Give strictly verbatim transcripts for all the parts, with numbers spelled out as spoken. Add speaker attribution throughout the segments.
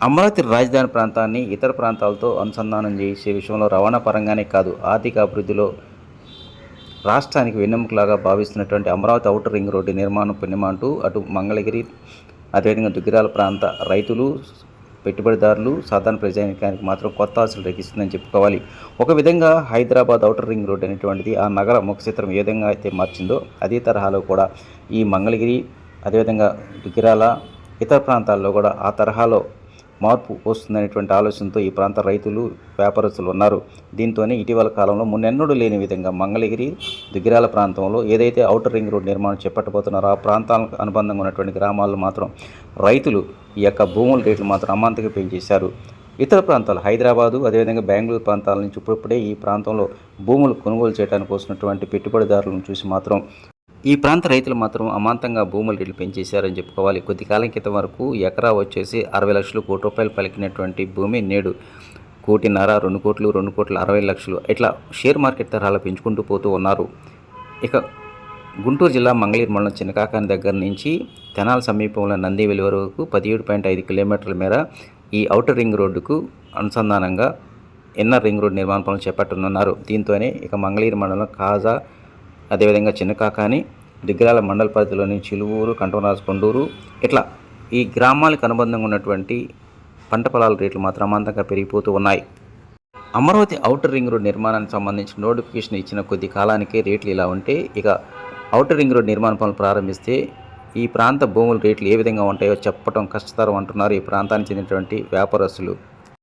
Speaker 1: అమరావతి రాజధాని ప్రాంతాన్ని ఇతర ప్రాంతాలతో అనుసంధానం చేసే విషయంలో రవాణా పరంగానే కాదు, ఆర్థిక అభివృద్ధిలో రాష్ట్రానికి వెన్నెముకలాగా భావిస్తున్నటువంటి అమరావతి ఔటర్ రింగ్ రోడ్డు నిర్మాణం పుణ్యమంటూ అటు మంగళగిరి, అదేవిధంగా దుగ్గిరాల ప్రాంత రైతులు, పెట్టుబడిదారులు, సాధారణ ప్రజానికానికి మాత్రం కొత్త ఆశలు రేగిస్తుందని చెప్పుకోవాలి. ఒక విధంగా హైదరాబాద్ ఔటర్ రింగ్ రోడ్ అనేటువంటిది ఆ నగర ముఖచిత్రం ఏ విధంగా అయితే మార్చిందో అదే తరహాలో కూడా ఈ మంగళగిరి, అదేవిధంగా దుగ్గిరాల, ఇతర ప్రాంతాల్లో కూడా ఆ తరహాలో మార్పు వస్తుందనేటువంటి ఆలోచనతో ఈ ప్రాంత రైతులు, వ్యాపారస్తులు ఉన్నారు. దీంతోనే ఇటీవల కాలంలో మున్నెన్నడూ లేని విధంగా మంగళగిరి, దుగ్గిరాల ప్రాంతంలో ఏదైతే ఔటర్ రింగ్ రోడ్ నిర్మాణం చేపట్టబోతున్నారో ఆ ప్రాంతాలకు అనుబంధంగా ఉన్నటువంటి గ్రామాల్లో మాత్రం రైతులు ఈ యొక్క భూముల రేట్లు మాత్రం అమాంతంగా పెంచేశారు. ఇతర ప్రాంతాలు హైదరాబాదు, అదేవిధంగా బెంగళూరు ప్రాంతాల నుంచి ఇప్పుడిప్పుడే ఈ ప్రాంతంలో భూములు కొనుగోలు చేయడానికి వస్తున్నటువంటి పెట్టుబడిదారులను చూసి మాత్రం ఈ ప్రాంత రైతులు మాత్రం అమాంతంగా భూముల రేట్లు పెంచేశారని చెప్పుకోవాలి. కొద్ది కాలం క్రితం వరకు ఎకరా వచ్చేసి అరవై లక్షలు కోటి రూపాయలు పలికినటువంటి భూమి నేడు కోటిన్నర, రెండు కోట్లు, రెండు కోట్ల అరవై లక్షలు ఇట్లా షేర్ మార్కెట్ తరహాలో పెంచుకుంటూ పోతూ ఉన్నారు. ఇక గుంటూరు జిల్లా మంగళగిరి మండలం చిన్నకాకాని దగ్గర నుంచి తెనాలి సమీపంలో నందివెలి వరకు పదిహేడు పాయింట్ ఐదు కిలోమీటర్ల మేర ఈ ఔటర్ రింగ్ రోడ్డుకు అనుసంధానంగా ఇన్నర్ రింగ్ రోడ్ నిర్మాణ పనులు చేపట్టనున్నారు. దీంతోనే ఇక మంగళగిరి మండలం కాజా, అదేవిధంగా చిన్నకాకాని, దుగ్గిరాల మండల పరిధిలోని చిలువూరు, కంటమరాజు, కొండూరు ఇట్లా ఈ గ్రామాలకు అనుబంధంగా ఉన్నటువంటి పంట పొలాల రేట్లు మాత్రం అమాంతంగా పెరిగిపోతూ ఉన్నాయి. అమరావతి ఔటర్ రింగ్ రోడ్ నిర్మాణానికి సంబంధించిన నోటిఫికేషన్ ఇచ్చిన కొద్ది కాలానికే రేట్లు ఇలా ఉంటే ఇక ఔటర్ రింగ్ రోడ్ నిర్మాణ పనులు ప్రారంభిస్తే ఈ ప్రాంత భూముల రేట్లు ఏ విధంగా ఉంటాయో చెప్పడం కష్టతరం అంటున్నారు ఈ ప్రాంతానికి చెందినటువంటి వ్యాపారస్తులు.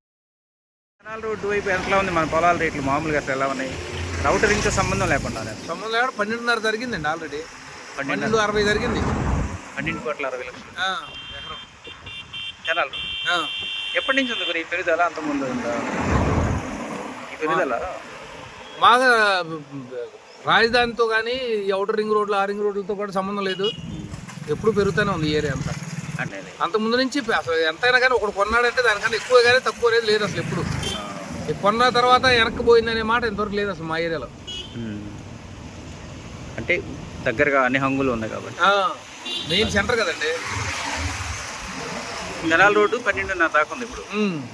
Speaker 1: కెనాల్ రోడ్డు వైపు ఎంతలా ఉంది మన పొలాల రేట్లు మామూలుగా అసలు ఎలా ఉన్నాయి? ఔటర్ రింగ్తో సంబంధం లేకుండా
Speaker 2: సంబంధం లేకుండా పన్నెండున్నర జరిగిందండి ఆల్రెడీ. పన్నెండు అరవై జరిగింది.
Speaker 1: పన్నెండు కోట్ల అరవై లక్షలు
Speaker 2: ఎకరం
Speaker 1: కెనాల్ రోడ్. ఎప్పటి నుంచి ఉంది మరి ఈ పెరుగుదల? అంతకుముందు ఉందా ఈ పెరుగుదల?
Speaker 2: బాగా రాజధానితో కానీ ఈ ఔటర్ రింగ్ రోడ్లు, ఆ రింగ్ రోడ్లతో కూడా సంబంధం లేదు. ఎప్పుడు పెరుగుతూనే ఉంది ఏరియా అంతా.
Speaker 1: అంటే
Speaker 2: అంత ముందు నుంచి అసలు ఎంతైనా కానీ ఒకటి కొన్నాడంటే దానికన్నా ఎక్కువ కానీ తక్కువ అనేది లేదు అసలు. ఎప్పుడు కొన్న తర్వాత వెనక్కి పోయిందనే మాట ఇంతవరకు లేదు అసలు మా ఏరియాలో.
Speaker 1: అంటే దగ్గరగా అన్ని హంగులు ఉన్నాయి కాబట్టి
Speaker 2: మెయిన్ సెంటర్ కదండి.
Speaker 1: కెనాల్ రోడ్డు పన్నెండున్నర దాకా ఉంది ఇప్పుడు.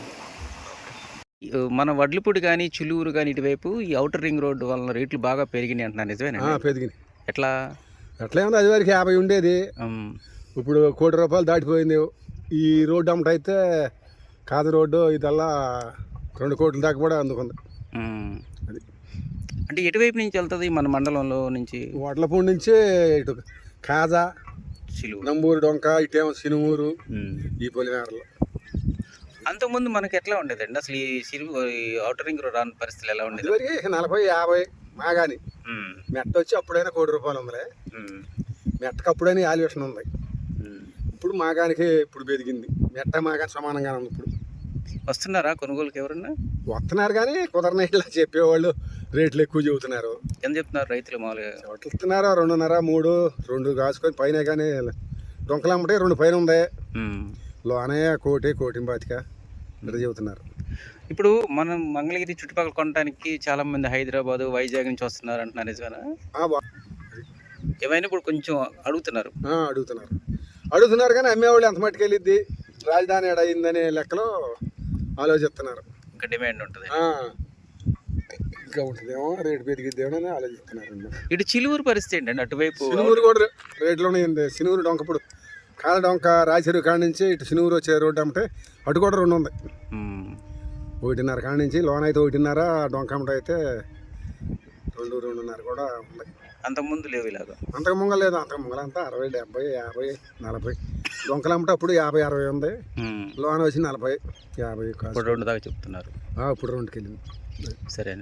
Speaker 1: మన వడ్లపూడి కానీ, చిలువురు కానీ ఇటువైపు ఈ ఔటర్ రింగ్ రోడ్డు వలన రేట్లు బాగా పెరిగినాయి అంటున్నారు, నిజమేనా?
Speaker 2: పెరిగినాయి.
Speaker 1: ఎట్లా
Speaker 2: ఎట్లా ఉంది? అది వరకు యాభై ఉండేది, ఇప్పుడు కోటి రూపాయలు దాటిపోయింది. ఈ రోడ్డు అమ్మట అయితే కాదు రోడ్డు ఇదల్లా రెండు కోట్ల దాకా కూడా అందుకుంది.
Speaker 1: అది అంటే ఎటువైపు నుంచి వెళ్తుంది మన మండలంలో నుంచి?
Speaker 2: వడ్లపూడి నుంచి ఇటు కాజా, నంబూరు, డొంక, ఇటేమో సినుమూరు, ఈ పొలిమేరలో.
Speaker 1: అంతకుముందు మనకి ఎట్లా ఉండేదండి అసలు ఈ సిరు ఔటర్ రింగ్ రోడ్ రాని పరిస్థితులు ఎలా ఉండేది?
Speaker 2: ఇదివరకు నలభై యాభై మాగాని మెట్ట వచ్చి అప్పుడైనా కోటి రూపాయలు ఉందిలే. మెట్టకు అప్పుడైనా వాల్యుయేషన్ ఉంది. ఇప్పుడు మాగానికి ఇప్పుడు పెరిగింది. మెట్ట మాగాని సమానంగానే ఉంది. ఇప్పుడు
Speaker 1: వస్తున్నారా కొనుగోలుకి ఎవరన్నా?
Speaker 2: వస్తున్నారు కానీ కుదరని ఇట్లా చెప్పేవాళ్ళు రేట్లు ఎక్కువ చెబుతున్నారు.
Speaker 1: ఎంత చెప్తున్నారు రైతులు? మామూలుగా
Speaker 2: చోట్ల ఇస్తున్నారు రెండున్నర, మూడు, రెండు కాసుకొని పైన. కానీ డొంకలమ్మటే రెండు పైన ఉంది, లోనే కోటి, కోటి బాతిక ఇట్లా చెబుతున్నారు.
Speaker 1: ఇప్పుడు మనం మంగళగిరి చుట్టుపక్కల కొనడానికి చాలా మంది హైదరాబాద్, వైజాగ్ నుంచి వస్తున్నారు అంటున్నారు, నిజమేనా? ఏమైనా ఇప్పుడు కొంచెం అడుగుతున్నారు
Speaker 2: అడుగుతున్నారు అడుగుతున్నారు కానీ అమ్మేవాళ్ళు ఎంత మట్టుకు వెళ్ళిద్ది, రాజధాని అయిందనే లెక్కలో ఆలోచిస్తున్నారు.
Speaker 1: ఇంకా డిమాండ్ ఉంటుంది,
Speaker 2: ఇంకా ఉంటుందేమో, రేటు పెరిగిద్దేమో అని ఆలోచిస్తున్నారు.
Speaker 1: ఇటు చిలువురు పరిస్థితి ఏంటండి? అటువైపు
Speaker 2: సినుమూరు కూడా రేట్లు ఉన్నాయండి. సినుమూరు డొంకప్పుడు కాల డొంక రాజచెరువు కాడ నుంచి ఇటు సినుమూరు వచ్చే రోడ్డు అమ్మటే అటు కూడా రెండు ఉంది. ఒకటిన్నర కాడ నుంచి లోన్ అయితే ఒకటిన్నర, డొంక అమ్మట అయితే రెండు, రెండున్నర కూడా ఉంది.
Speaker 1: అంతకుముందు లేవు ఇలాగా?
Speaker 2: అంతకు ముంగ లేదు. అంతకు ముంగలంతా అరవై, డెబ్బై, యాభై, నలభై. డొంకలమ్మట అప్పుడు యాభై అరవై ఉంది, లోన్ వచ్చి నలభై యాభై
Speaker 1: రెండు దాకా చెప్తున్నారు.
Speaker 2: ఇప్పుడు రెండుకి వెళ్ళింది.
Speaker 1: సరే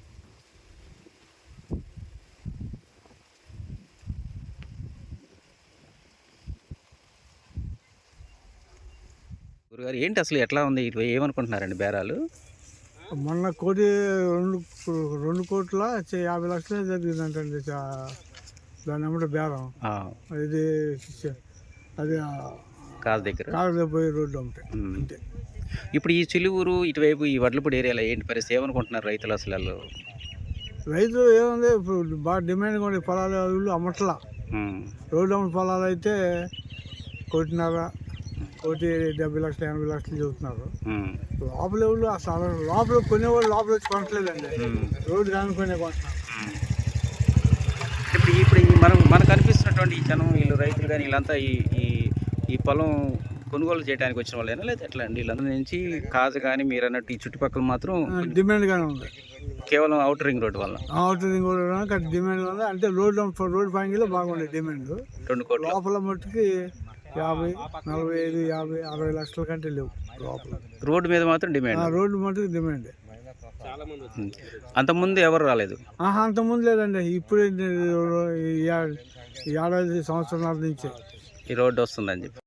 Speaker 1: గురుగారు, ఏంటి అసలు ఎట్లా ఉంది? ఇటు ఏమనుకుంటున్నారండి బేరాలు?
Speaker 2: మొన్న కోటి రెండు రెండు కోట్ల యాభై లక్షలే జరిగిందంటండి దాని అమ్మట బేరం. ఇది అది
Speaker 1: కాదు దగ్గర
Speaker 2: కాదు పోయి రోడ్డు అమ్మటే. అంతే.
Speaker 1: ఇప్పుడు ఈ చిలువురు ఇటువైపు ఈ వడ్లపూడి ఏరియాలో ఏంటి పరిస్థితి? ఏమనుకుంటున్నారు రైతులు అసలు?
Speaker 2: రైతులు ఏముంది, ఇప్పుడు బాగా డిమాండ్గా ఉండే పొలాలు అమ్మట్లా. రోడ్డు అమ్మ పొలాలు అయితే కోటిన్నర,
Speaker 3: ఒకటి డెబ్బై లక్షలు ఎనభై లక్షలు చెబుతున్నారు.
Speaker 1: ఉమ్,
Speaker 3: లోపల ఎవరు అసలు లోపల కొనేవాళ్ళు లోపల వచ్చి కొనట్లేదండి,
Speaker 1: ఉమ్,
Speaker 3: రోడ్డు కానుకొనే కొంటున్నారు.
Speaker 1: ఉమ్. ఇప్పుడు ఇప్పుడు ఈ మనం మనకు కనిపిస్తున్నటువంటి ఈ జనం వీళ్ళు రైతులు కానీ వీళ్ళంతా ఈ ఈ ఈ పొలం కొనుగోలు చేయడానికి వచ్చిన వాళ్ళైనా లేదా ఎట్లా అండి? వీళ్ళందరి నుంచి కాజు కానీ మీరు అన్నట్టు ఈ చుట్టుపక్కల మాత్రం
Speaker 3: డిమాండ్గానే ఉంది.
Speaker 1: కేవలం అవుటర్ రింగ్ రోడ్ వల్ల
Speaker 3: అవుతుంది కూడా డిమాండ్ ఉంది. అంటే రోడ్డు రోడ్డు పాయింట్లో బాగుండే డిమాండ్.
Speaker 1: రెండు కోట్లు
Speaker 3: లోపల మట్టుకి యాభై నలభై ఐదు యాభై అరవై లక్షల కంటే లేవు లోపల.
Speaker 1: రోడ్డు మీద మాత్రం డిమాండ్.
Speaker 3: ఆ రోడ్డు మట్టుకు డిమాండ్.
Speaker 1: అంతకుముందు ఎవరు రాలేదు.
Speaker 3: ఆహా అంతకుముందు లేదండి, ఇప్పుడు ఈ ఏడాది సంవత్సరాల నుంచి
Speaker 1: ఈ రోడ్డు వస్తుందని చెప్పి